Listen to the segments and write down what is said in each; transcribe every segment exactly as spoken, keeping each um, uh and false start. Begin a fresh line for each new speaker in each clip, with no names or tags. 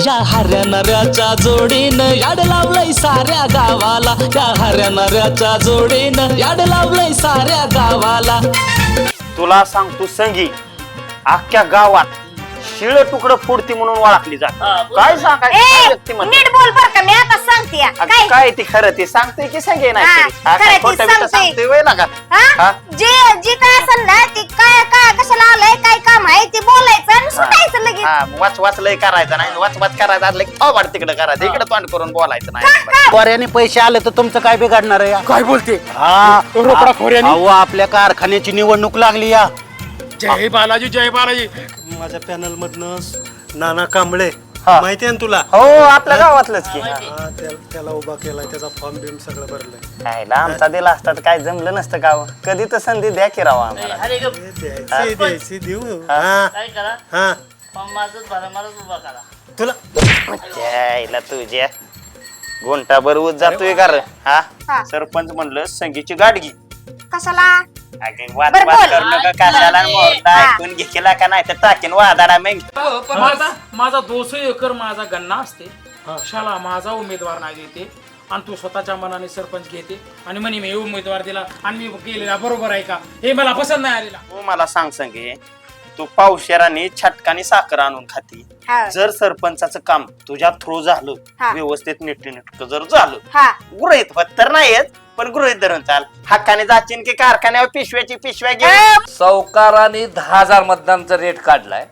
या हऱ्या नऱ्याच्या जोडीनं याड लावलंय साऱ्या गावाला, या हऱ्या नऱ्याच्या जोडीनं याड लावलंय साऱ्या गावाला.
तुला सांगतो संगी, अख्ख्या गावात शिळ तुकडं फोडती म्हणून ओळखली जात. काय सांगायचं
नीट बोल बर का, मी आता सांगते
काय काय ती खरं ते सांगते की संगे नाही सांगते ना का
जे जे काय असेल ना ते काय काय कशाला आलंय काय काम आहे ते बोलायचं आणि सुटायचं लगेच.
वाच वाच लय करायचं नाही, वाच वाच करायचं असलं की अवघड तिकडे करायचं, इकडे तोंड करून बोलायचं नाही.
खोऱ्याने पैसे आले तर तुमचं काय बिघडणार आहे?
काय बोलते?
हा
रोकडा खोऱ्याने.
अहो आपल्या कारखान्याची निवडणूक लागली या.
जय बालाजी जय बालाजी.
माझ्या पॅनल मधनं नाना कांबळे माहिती आहे ना तुला?
हो आपल्या गावातलंच की.
हा, त्या- त्याला उभा केलाय, त्याचा फॉर्म बिम सगळं भरलंय.
खायला आमचा दिला असता तर काय जमलं नसतं का? कधी तर संधी द्या की राव आम्हाला.
हे द्यायची द्यायची देऊ. हा
काय करा
हा
माझंच भरा मलाच उभा करा.
तुला
द्यायला तुझ्या गोंटाभर ऊस जातोय का रे?
हा.
हा सरपंच म्हणलं संगीची गाडगी.
कशाला
वाद
बरं,
वाद
बोल.
करू नका, कशाला मोरडा ऐकून घेतला का नाही तर टाकीन वादाडा मग.
पण माझा माझा दोनशे एकर माझा गन्ना असते, शाला माझा उमेदवार नाही देते आणि तू स्वतःच्या मनाने सरपंच घेते आणि म्हणे मी उमेदवार दिला आणि मी गेलेला बरोबर आहे का? हे मला पसंत नाही आलेला.
तू मला सांग संगे, तू पावशेराने छटकाने साखर आणून खाती.
हा.
जर सरपंचाचं काम तुझ्या थ्रू झालं,
हा.
व्यवस्थित नीटनेटकं जर झालं,
हा
गृहित होत तर नाहीच पण गृहित धरून चाल, हक्काने जाचीन की कारखान्यावर पिशव्याची पिशव्या घे.
सावकारांनी दहा हजार मतदानचा रेट काढलाय,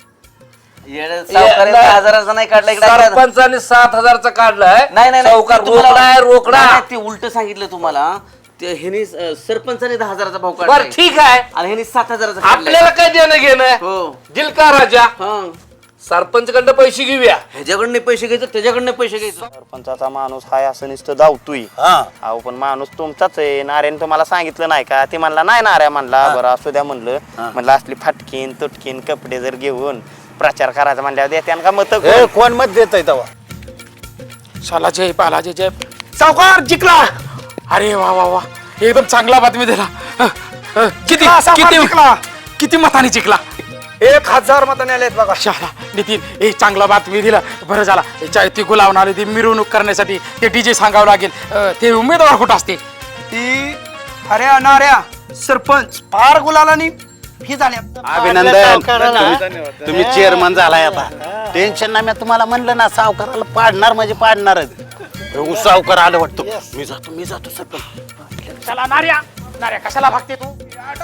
हजाराचा नाही काढला
सरपंचाने सात हजारचा काढलाय.
नाही, नाही,
सावकार
ते तुम्हाला-
रोकडा आहे रोकडा.
ते उलट सांगितलं तुम्हाला. ते ह्यानी सरपंचाने दहा हजाराचा भाव
बर
काढला
ठीक आहे,
आणि ह्यानी सात हजाराचा काढलाय.
आपल्याला काय देणं घेणं?
हो
दिल का राजा?
हा.
सरपंच कडनं पैसे घेऊया.
ह्याच्याकडनं पैसे घ्यायचं, त्याच्याकडनं पैसे घ्यायचं.
सरपंचाचा माणूस हाय असं नुसतं धावतोय. अहो पण माणूस तुमचाच आहे. नाऱ्याने तुम्हाला सांगितलं नाही का? ते म्हणला नाही, नाऱ्या म्हणला बरं असू द्या म्हणलं. म्हणलं असली फाटकीन तुटकीन कपडे जर घेऊन प्रचार करायचा म्हणल्यावर देत्यान का मत?
कोण मत देत आहे तेव्हा?
शाला जय बालाजी जय. सावकार जिंकला. अरे वा वा वा, एकदम चांगला बातमी दिला. अ, अ, किती किती किती मताने जिंकला?
एक हजार मताने आलेत बघा.
शाला नितीन, एक चांगला बातमी दिला. बरं झाला. ती गुलावून आली, ती मिरवणूक करण्यासाठी ते डीजे सांगावं लागेल. अ, ते उमेदवार कुठं असते?
ती अरे अनाऱ्या सरपंच फार गुलालानी ही झाल्या.
अभिनंदन, तुम्ही- तुम्ही चेअरमन झालाय आता. टेन्शन नाही. मी तुम्हाला म्हणलं ना, सावकाराला पाडणार म्हणजे पाडणारच. हो, सावकार आलं वाटतं. मी जातो मी जातो सरपंच.
चला नार्या नार्या, कशाला भागते तू?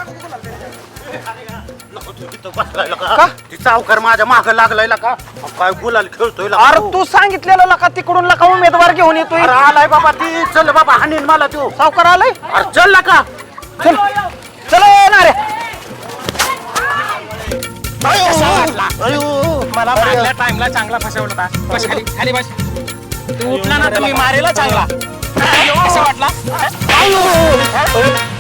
का ती सावकार माझ्या माग लागलाय का? काय गुलाल खेळतोय?
अरे तू सांगितलेलं का तिकडून लका उमेदवार घेऊन येतोय.
अरे आलाय बाबा, ती चल बाबा, हाणीन मला तू.
सावकार आलाय.
अरे चल का?
चल चल येणार
मला मारल्या टाइमला चांगला फसवलं होता. बस खाली खाली बस. तू उठला ना तुम्ही मारेला चांगला. कसं वाटला?